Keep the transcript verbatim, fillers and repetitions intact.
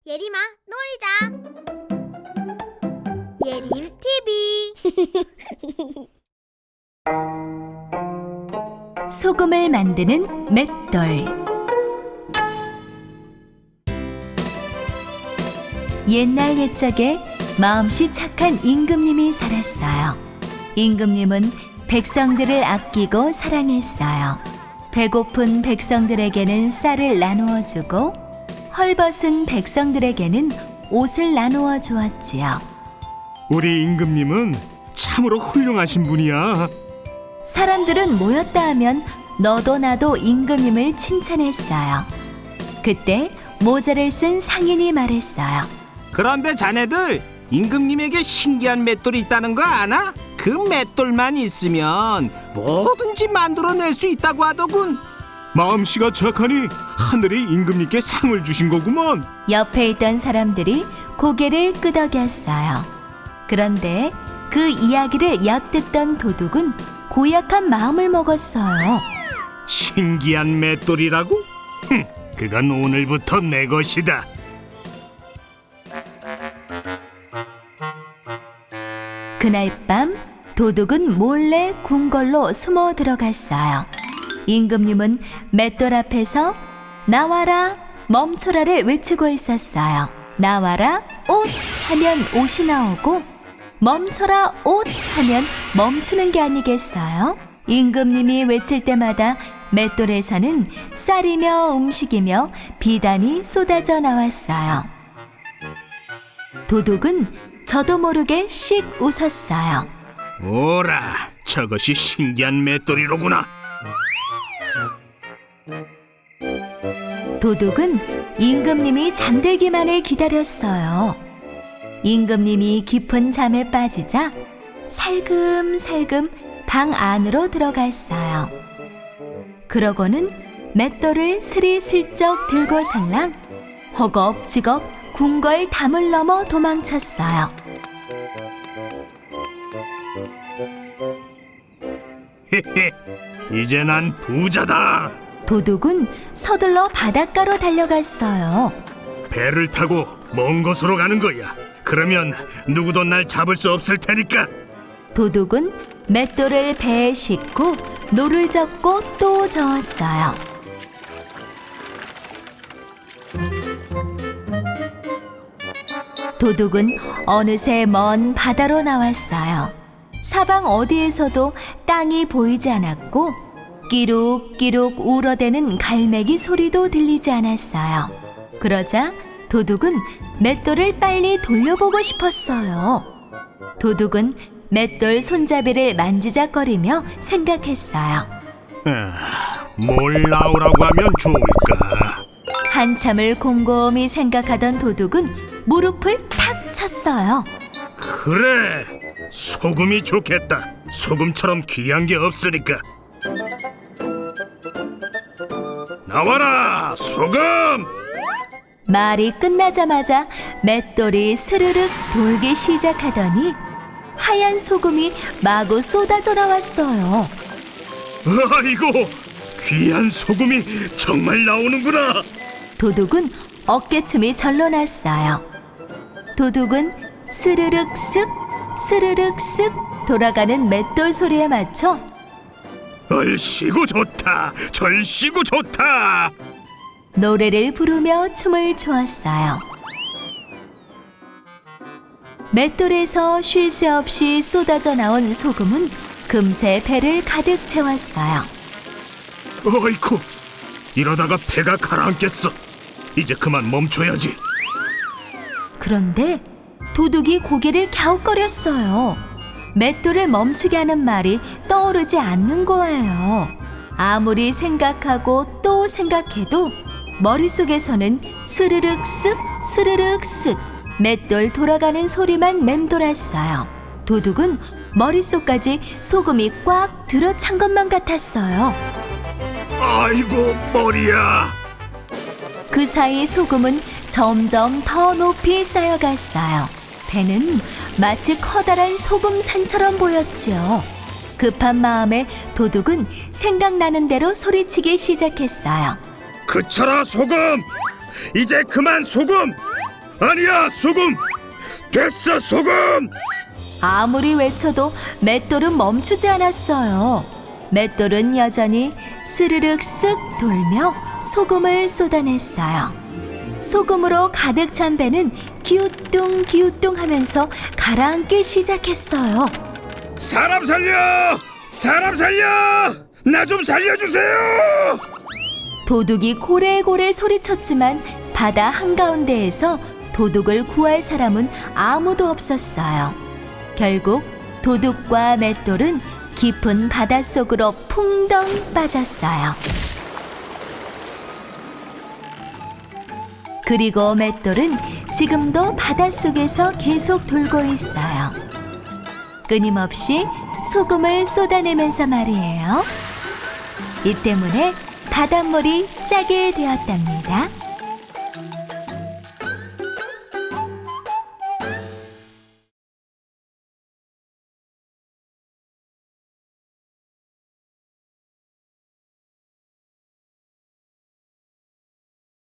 예림아, 놀자. 예림 티비. 소금을 만드는 맷돌. 옛날 옛적에 마음씨 착한 임금님이 살았어요. 임금님은 백성들을 아끼고 사랑했어요. 배고픈 백성들에게는 쌀을 나누어 주고 헐벗은 백성들에게는 옷을 나누어 주었지요. 우리 임금님은 참으로 훌륭하신 분이야. 사람들은 모였다 하면 너도 나도 임금님을 칭찬했어요. 그때 모자를 쓴 상인이 말했어요. 그런데 자네들 임금님에게 신기한 맷돌이 있다는 거 아나? 그 맷돌만 있으면 뭐든지 만들어낼 수 있다고 하더군. 마음씨가 착하니 하늘이 임금님께 상을 주신 거구먼. 옆에 있던 사람들이 고개를 끄덕였어요. 그런데 그 이야기를 엿듣던 도둑은 고약한 마음을 먹었어요. 신기한 맷돌이라고? 흠, 그건 오늘부터 내 것이다. 그날 밤 도둑은 몰래 궁궐로 숨어 들어갔어요. 임금님은 맷돌 앞에서 나와라 멈춰라를 외치고 있었어요. 나와라 옷 하면 옷이 나오고 멈춰라 옷 하면 멈추는 게 아니겠어요? 임금님이 외칠 때마다 맷돌에서는 쌀이며 음식이며 비단이 쏟아져 나왔어요. 도둑은 저도 모르게 씩 웃었어요. 오라, 저것이 신기한 맷돌이로구나. 도둑은 임금님이 잠들기만을 기다렸어요. 임금님이 깊은 잠에 빠지자 살금살금 방 안으로 들어갔어요. 그러고는 맷돌을 스리슬쩍 들고 살랑 허겁지겁 궁궐 담을 넘어 도망쳤어요. 헤헤, 이제 난 부자다. 도둑은 서둘러 바닷가로 달려갔어요. 배를 타고 먼 곳으로 가는 거야. 그러면 누구도 날 잡을 수 없을 테니까. 도둑은 맷돌을 배에 싣고 노를 젓고 또 저었어요. 도둑은 어느새 먼 바다로 나왔어요. 사방 어디에서도 땅이 보이지 않았고 끼룩끼룩 울어대는 갈매기 소리도 들리지 않았어요. 그러자 도둑은 맷돌을 빨리 돌려보고 싶었어요. 도둑은 맷돌 손잡이를 만지작거리며 생각했어요. 아, 뭘 나오라고 하면 좋을까? 한참을 곰곰이 생각하던 도둑은 무릎을 탁 쳤어요. 그래, 소금이 좋겠다. 소금처럼 귀한 게 없으니까. 나와라, 소금! 말이 끝나자마자 맷돌이 스르륵 돌기 시작하더니 하얀 소금이 마구 쏟아져 나왔어요. 아이고, 귀한 소금이 정말 나오는구나. 도둑은 어깨춤이 절로 났어요. 도둑은 스르륵 쓱 스르륵 쓱 돌아가는 맷돌 소리에 맞춰 얼씨구 좋다, 절씨구 좋다. 노래를 부르며 춤을 추었어요. 맷돌에서 쉴 새 없이 쏟아져 나온 소금은 금세 배를 가득 채웠어요. 어이쿠, 이러다가 배가 가라앉겠어. 이제 그만 멈춰야지. 그런데 도둑이 고개를 갸웃거렸어요. 맷돌을 멈추게 하는 말이 떠오르지 않는 거예요. 아무리 생각하고 또 생각해도 머릿속에서는 스르륵 쓱 스르륵 쓱 맷돌 돌아가는 소리만 맴돌았어요. 도둑은 머릿속까지 소금이 꽉 들어찬 것만 같았어요. 아이고, 머리야. 그 사이 소금은 점점 더 높이 쌓여갔어요. 배는 마치 커다란 소금 산처럼 보였지요. 급한 마음에 도둑은 생각나는 대로 소리치기 시작했어요. 그쳐라, 소금! 이제 그만 소금! 아니야, 소금! 됐어, 소금! 아무리 외쳐도 맷돌은 멈추지 않았어요. 맷돌은 여전히 스르륵 쓱 돌며 소금을 쏟아냈어요. 소금으로 가득 찬 배는 기우뚱 기우뚱 하면서 가라앉기 시작했어요. 사람 살려! 사람 살려! 나 좀 살려주세요! 도둑이 고래고래 소리쳤지만 바다 한가운데에서 도둑을 구할 사람은 아무도 없었어요. 결국 도둑과 맷돌은 깊은 바닷속으로 풍덩 빠졌어요. 그리고 맷돌은 지금도 바닷속에서 계속 돌고 있어요. 끊임없이 소금을 쏟아내면서 말이에요. 이 때문에 바닷물이 짜게 되었답니다.